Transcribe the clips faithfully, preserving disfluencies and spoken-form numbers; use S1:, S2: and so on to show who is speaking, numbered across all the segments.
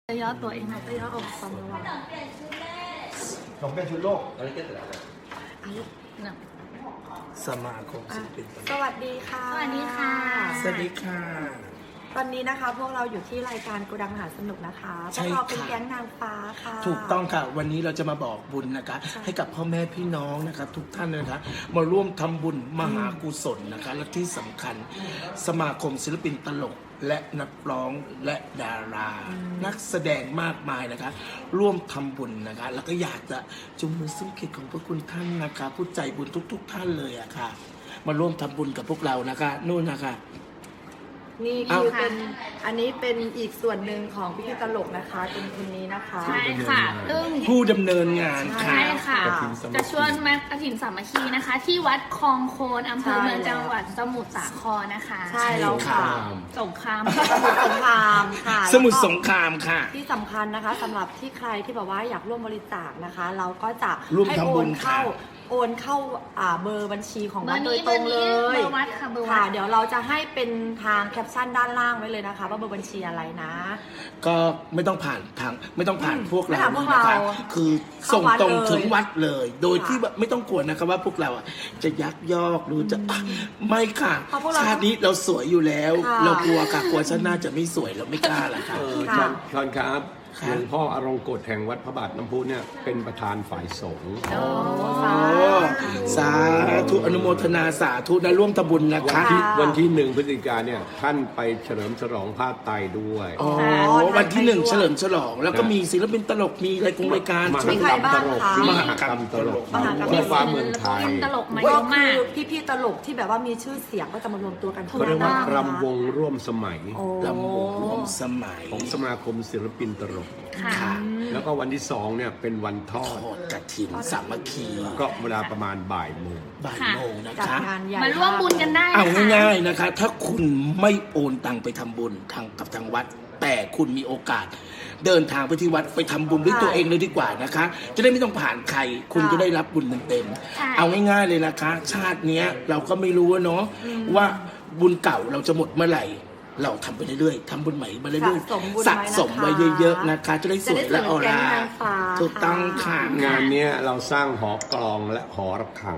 S1: จะย่อตัวเองนะจะย่ออกความระวัง
S2: ของเป็นชุดโลก
S1: อะไรก็ได้นะ
S3: สมาคมศิลปิน
S4: สวัสดีค่ะ
S1: สวัสดีค่ะ
S3: สวัสดีค่ะ
S4: ตอนนี้นะคะพวกเราอยู่ที่รายการโกดังมหาสนุกนะคะพวกเราเป็นแก๊งนางฟ้าค่ะ
S3: ถูกต้องค่ะวันนี้เราจะมาบอกบุญนะคะให้กับพ่อแม่พี่น้องนะคะทุกท่านนะคะมาร่วมทำบุญมหากุศลนะคะและที่สำคัญสมาคมศิลปินตลกและนักร้องและดารา นักแสดงมากมายนะคะร่วมทำบุญนะคะแล้วก็อยากจะจุงมือซุ้มเกียรติของพระคุณท่านนะคะผู้ใจบุญทุกๆ ท่านเลยอะค่ะมาร่วมทำบุญกับพวกเรานะคะนู่นนะคะ
S4: นี่คือเป็นอันนี้เป็นอีกส่วนหนึ่งของพิธีตลกนะคะเป็นคนนี้นะคะ
S1: ใช่ค่ะซึ่ง
S3: ผู้ดำเนินงานค่ะ
S1: ใช่ค่ะจะชวนมากฐินสามัคคีนะคะที่วัดคลองโคนอำเภอเมืองจังหวัดสมุทรสาครนะคะ
S4: ใช่แล้วค่ะ
S1: สงคราม
S4: สมุทรสงครามค่ะ
S3: สมุทรสงครามค่ะ
S4: ที่สำคัญนะคะสำหรับที่ใครที่แบบว่าอยากร่วมบริจาคนะคะ เราก็จะ
S3: ให้โอน
S4: เข้าโอนเข้าเบอร์บัญชีของวัดโดยตรงเลย
S1: เบอร์วัดค่ะเบอร์วัด
S4: ค่ะเดี๋ยวเราจะให้เป็นทางแคปชั่นด้านล่างไว้เลยนะคะว่าเบอร์บัญชีอะไรนะ
S3: ก็ไม่ต้องผ่านทางไม่ต้องผ่านพวกเรา
S4: นะคะ
S3: คือส่งตรงถึงวัดเลย โดยที่ไม่ต้องกลัวนะครับว่าพวกเราจะยักยอกหรือจะไม่ค่ะชาตินี้เราสวยอยู่แล้วเรากลัวค่ะกลัวชาติหน้าจะไม่สวยเราไม่กล้าละค่ะ
S2: ท่านครับหลวงพ่ออรงกฎแห่งวัดพระบาทน้ำพุเนี่ยเป็นประธานฝ่ายสงฆ์
S3: สาธุอนุโมทนาสาธุนะร่วมทำบุญนะคะ
S2: วันที่หนึ่งพฤศจิกายนเนี่ยท่านไปเฉลิมฉลองผ้าไตรด้วย
S3: อ๋อวันที่หนึ่งเฉลิมฉลองแล้วก็มีศิลปินตลกมีรายกงรายการ
S2: มหากรรมตลกมหากรรมตลกทั่วฟ้าเมืองไทย
S1: ตลกมาเยอะมาก
S4: พี่ๆตลกที่แบบว่ามีชื่อเสียงก็จะมารวมตัวกัน
S2: เขาเรียกว่ารำวงร่วมสมัย
S3: รำวงร่วมสมัย
S2: ของสมาคมศิลปินตลกแล้วก็วันที่สองเนี่ยเป็นวันทอด
S3: กฐินสามัคคี
S2: ก็เวลาประมาณบ่ายโมง
S3: บ่ายโมงนะคะ
S1: มาร่วมบุญกันได้
S3: เอาง่ายๆนะคะถ้าคุณไม่โอนตังไปทำบุญทางกับทางวัดแต่คุณมีโอกาสเดินทางไปที่วัดไปทำบุญด้วยตัวเองเลยดีกว่านะคะจะได้ไม่ต้องผ่านใครคุณจะได้รับบุญเต็มๆเอาง่ายๆเลยนะคะชาตินี้เราก็ไม่รู้เนาะว่าบุญเก่าเราจะหมดเมื่อไหร่เราทำไปเรื่อยๆทำบุญใหม่มาเรื่อยๆสะสมไว้เยอะๆนะคะจะได้สวยและออร่าถูกต้องค่ะ
S2: งานนี้เราสร้างหอกลองและหอระฆัง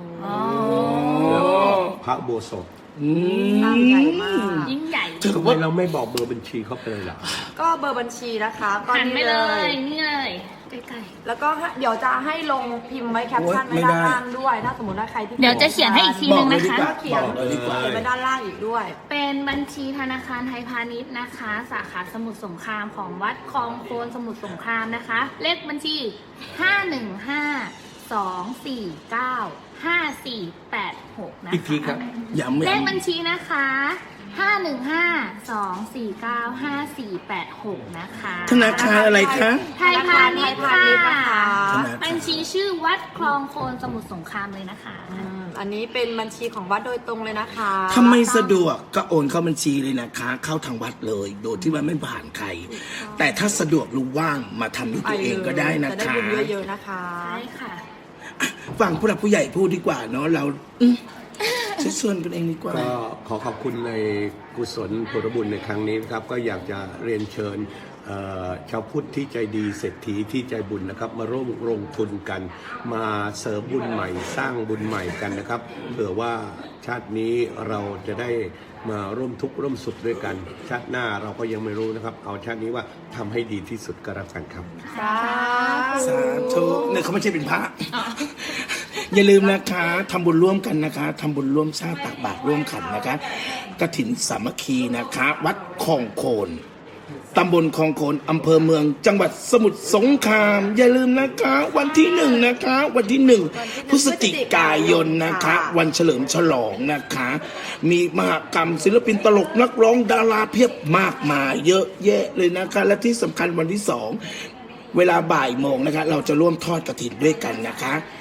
S2: พระโบสถ
S4: ใหญ่มาก
S1: ยิ่งใหญ่
S2: ทำไมเราไม่บอกเบอร์บัญชีเขาไปเลยล่ะ
S4: ก็เบอร์บัญชีนะคะก็
S1: นี่เลยนี่เลยใกล้
S4: ๆแล้วก็เดี๋ยวจะให้ลงพิมพ์ไว้แคปชั่นไว้ด้านล่างด้วยถ้าสมมติว่าใครที่
S1: เดี๋ยวจะเขียนให้อีกทีนึงนะคะ
S4: เขียนไว้ด้านล่างอีกด้วย
S1: เป็นบัญชีธนาคารไทยพาณิชย์นะคะสาขาสมุทรสงครามของวัดคลองโคนสมุทรสงครามนะคะเลขบัญชีห้าหนึ่งห้าสองสี่เก้าห้าสี่แปดหกนะคะ
S2: อีกทีครับ
S1: เลขบัญชีนะคะห้าหนึ่งห้าสองสี่เก้าห้าสี่แปดหกนะคะ
S3: ธนาคารอะไรคะ
S1: ไทยพาณิชย์ค่ะบัญชีชื่อวัดคลองโคนสมุทรสงครามเลยนะคะ
S4: อันนี้เป็นบัญชีของวัดโดยตรงเลยนะคะ
S3: ถ้าไม่สะดวกก็โอนเข้าบัญชีเลยนะคะเข้าทางวัดเลยโดยที่ว่าไม่ผ่านใครแต่ถ้าสะดวกหรือว่างมาทำด้วยตัวเองก็ได้นะคะ
S4: จะได้บุญเยอะๆนะคะ
S1: ใช่ค่ะ
S3: ฟังผู้หลักผู้ใหญ่พูดดีกว่าเนาะเราชวนกันเองดีกว่า
S2: ก็ขอขอบคุณในกุศลผลบุญในครั้งนี้นะครับก็อยากจะเรียนเชิญชาวพุทธที่ใจดีเศรษฐีที่ใจบุญนะครับมาร่วมลงทุนกันมาเสริมบุญใหม่สร้างบุญใหม่กันนะครับเผื่อว่าชาตินี้เราจะได้มาร่วมทุกข์ร่วมสุขด้วยกันชาติหน้าเราก็ยังไม่รู้นะครับเอาชาตินี้ว่าทำให้ดีที่สุดก็แล้วกันครับ
S4: สา
S3: ธุเนี่ยเขาไม่ใช่เป็นพระอย่าลืมนะคะทำบุญร่วมกันนะคะทำบุญร่วมชาติตักบาตรร่วมขันนะคะกฐินสามัคคีนะคะวัดคลองโคนตำบลคลองโคนอำเภอเมืองจังหวัดสมุทรสงครามอย่าลืมนะคะวันที่หนึ่งนะคะวันที่หนึ่งพฤศจิกายนนะคะวันเฉลิมฉลองนะคะมีมหกรรมศิลปินตลกนักร้องดาราเพียบมากมายเยอะแยะเลยนะคะและที่สำคัญวันที่สองเวลาบ่ายโมงนะคะเราจะร่วมทอดกฐินด้วยกันนะคะ